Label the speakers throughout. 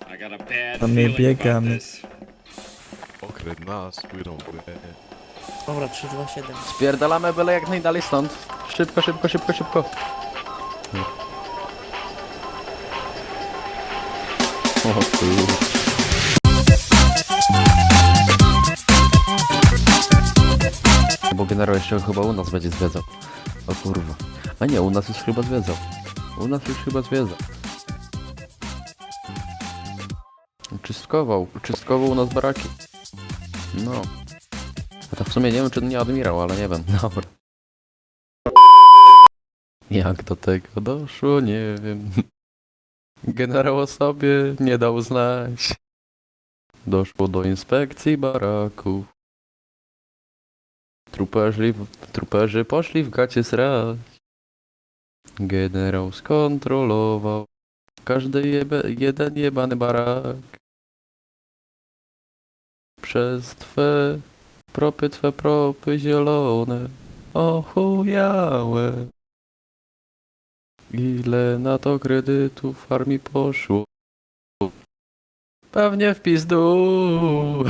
Speaker 1: A my biegamy.
Speaker 2: Okret nas, płyną
Speaker 3: Dobra, 3, 2, 7.
Speaker 4: Spierdalamy byle jak najdalej stąd. Szybko, szybko, szybko, szybko. O kurwa. Bo generał jeszcze chyba u nas będzie zwiedzał. O kurwa. A nie, u nas już chyba zwiedzał. U nas już chyba zwiedzał. Uczystkował u nas baraki. No. A to w sumie nie wiem, czy nie admirał, ale nie wiem. Dobra. Jak do tego doszło, nie wiem. Generał o sobie nie dał znać. Doszło do inspekcji baraków. Truperzy poszli w gacie srać. Generał skontrolował każdy jeden jebany barak. Przez twe propy zielone, ochujałe. Ile na to kredytów w armii poszło? Pewnie w pizdu.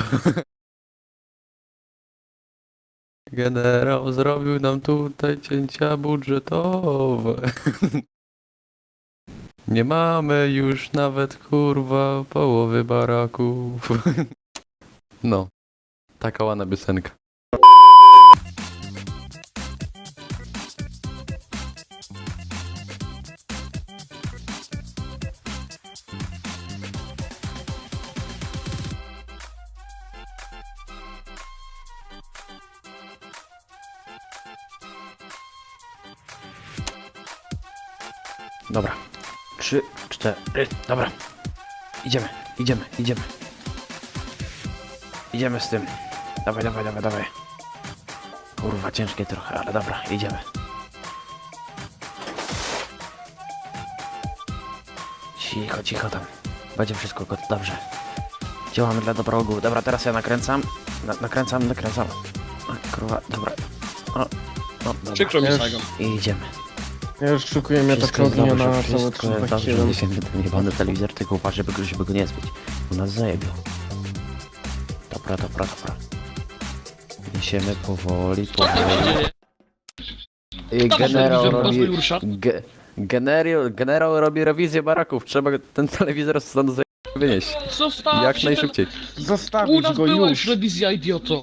Speaker 4: Generał zrobił nam tutaj cięcia budżetowe. Nie mamy już nawet kurwa połowy baraków. No, taka ładna piosenka. Dobra. 3, 4, dobra. Idziemy. Idziemy z tym. Dawaj. Kurwa, ciężkie trochę, ale dobra, idziemy. Cicho tam. Będzie wszystko dobrze. Działamy dla dobra ogółu. Dobra, teraz ja nakręcam. Nakręcam. O, kurwa, dobra. O, dobra.
Speaker 5: Przykro mi, Saigon.
Speaker 4: I idziemy.
Speaker 5: Ja już szukuję
Speaker 4: Wszystko jest
Speaker 5: metakrognia
Speaker 4: dobrze,
Speaker 5: na całe
Speaker 4: wszystko jest dobrze,
Speaker 5: 327.
Speaker 4: że ten jebany telewizor, tylko uważaj, żeby go nie zbyć. U nas zajebią. Dobra. Niesiemy powoli. I generał robi rewizję baraków. Trzeba ten telewizor stąd wynieść.
Speaker 5: Zostawcie
Speaker 4: Jak najszybciej.
Speaker 5: U
Speaker 6: Zostawić
Speaker 5: nas
Speaker 6: go
Speaker 5: była
Speaker 6: już!
Speaker 5: już rewizja, idioto.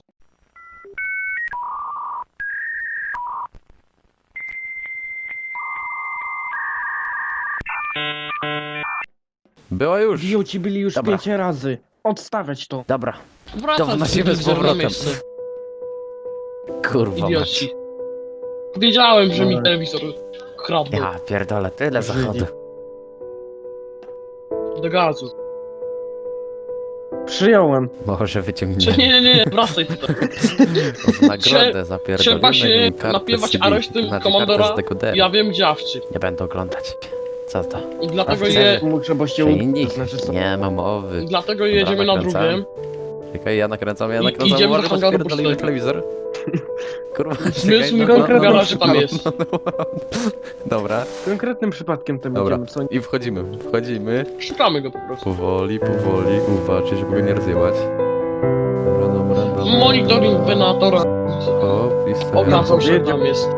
Speaker 4: Była już.
Speaker 6: Idioci byli już
Speaker 4: Dobra.
Speaker 6: 5 razy. Odstawiać to.
Speaker 4: Dobra.
Speaker 5: Wracam
Speaker 4: wnosimy z
Speaker 5: telewizor na
Speaker 4: powrotem.
Speaker 5: miejsce.
Speaker 4: Kurwa
Speaker 5: Idioci.
Speaker 4: mać.
Speaker 5: Wiedziałem, że mi telewizor kradł
Speaker 4: Ja pierdolę, tyle
Speaker 6: Żyli.
Speaker 4: zachodu.
Speaker 5: do gazu.
Speaker 6: Przyjąłem.
Speaker 4: Może wyciągniemy.
Speaker 5: Nie, wracaj tutaj.
Speaker 4: W nagrodę zapierdolimy.
Speaker 5: Trzeba się
Speaker 4: mi kartę
Speaker 5: napiewać
Speaker 4: CD,
Speaker 5: aresztem
Speaker 4: znaczy
Speaker 5: komandora.
Speaker 4: kartę z dekodera.
Speaker 5: Ja wiem gdzie awczy.
Speaker 4: Nie będę oglądać. Co to?
Speaker 5: I dlatego,
Speaker 4: A
Speaker 5: je,
Speaker 6: Muszę, bo się
Speaker 4: To inni?
Speaker 6: to znaczy co?
Speaker 4: Nie ma mowy.
Speaker 5: i dlatego jedziemy na
Speaker 4: nakręcam.
Speaker 5: drugim.
Speaker 4: Czekaj, ja nakręcam.
Speaker 5: Idziemy do
Speaker 4: Uważaj, bo
Speaker 5: hangaru
Speaker 4: spierdolimy
Speaker 5: pocztowego.
Speaker 4: telewizor. Kurwa,
Speaker 5: Zmysł mi
Speaker 4: czekaj,
Speaker 5: w garażu tam jest.
Speaker 4: Dobra,
Speaker 6: Konkretnym przypadkiem tym
Speaker 4: dobra.
Speaker 6: będziemy, co nie?
Speaker 4: I wchodzimy.
Speaker 5: Szukamy go po prostu.
Speaker 4: Powoli, uważaj, żeby go nie rozjebać. Dobra.
Speaker 5: Monitoring wenatora
Speaker 4: O, pistolet.
Speaker 5: okazał, że tam jest.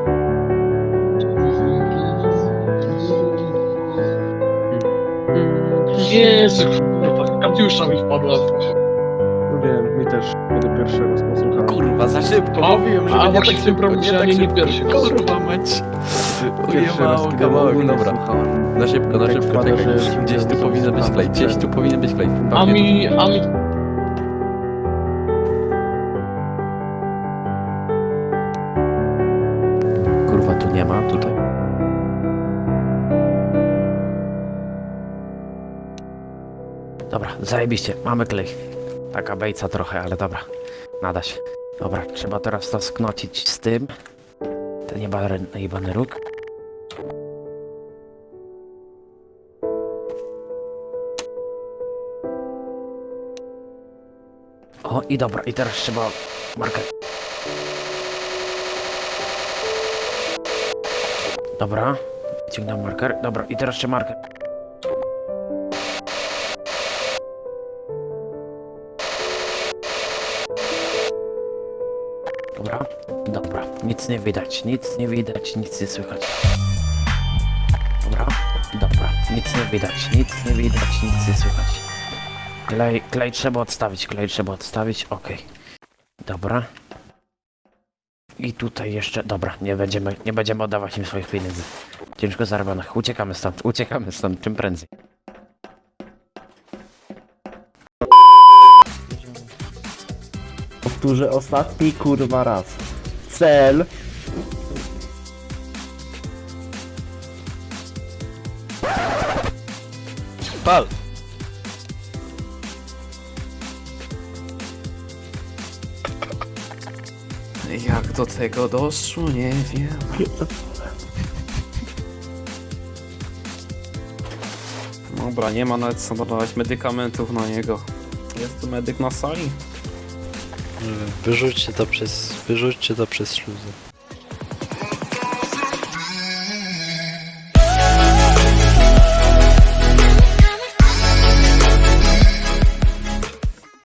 Speaker 5: Jezu, kurwa, Katiusza mi wpadła.
Speaker 6: Wiem, mi też. Kiedy pierwszy raz posłuchałem.
Speaker 4: Kurwa, za szybko, mówiłem, że
Speaker 5: A
Speaker 4: nie
Speaker 5: właśnie
Speaker 4: tak
Speaker 5: w tym
Speaker 4: szybko,
Speaker 5: problemie
Speaker 4: nie tak
Speaker 5: nie
Speaker 4: szybko.
Speaker 5: pierwszy.
Speaker 4: Kurwa mać.
Speaker 6: Pierwszy raz,
Speaker 4: Ujebało
Speaker 6: kiedy
Speaker 4: kawałek,
Speaker 6: ogólnie
Speaker 4: dobra.
Speaker 6: słuchałem.
Speaker 4: Na szybko,
Speaker 6: Tak wpada,
Speaker 4: czekaj.
Speaker 6: że
Speaker 4: Gdzieś tu powinien być klej, gdzieś tu powinien być klej.
Speaker 5: A mi...
Speaker 4: Kurwa, tu nie ma, tutaj. Dobra, zajebiście, mamy klej. Taka bejca trochę, ale dobra. Nada się. Dobra, trzeba teraz to sknocić z tym. Ten jebany róg. O, i dobra, i teraz trzeba marker. Dobra, wyciągnę marker. Dobra, i teraz jeszcze marker. Dobra, dobra, nic nie widać, nic nie widać, nic nie słychać. Dobra, dobra, nic nie widać, nic nie widać, nic nie słychać. Klej trzeba odstawić, okej. Dobra. I tutaj jeszcze, dobra, nie będziemy oddawać im swoich pieniędzy. Ciężko zarobionych, uciekamy stąd czym prędzej.
Speaker 7: Powtórzę ostatni kurwa raz. Cel.
Speaker 2: Pal!
Speaker 8: Jak do tego doszło, nie wiem. Dobra, nie ma nawet co dawać medykamentów na niego. Jest tu medyk na sali?
Speaker 1: Wyrzućcie to przez śluzę.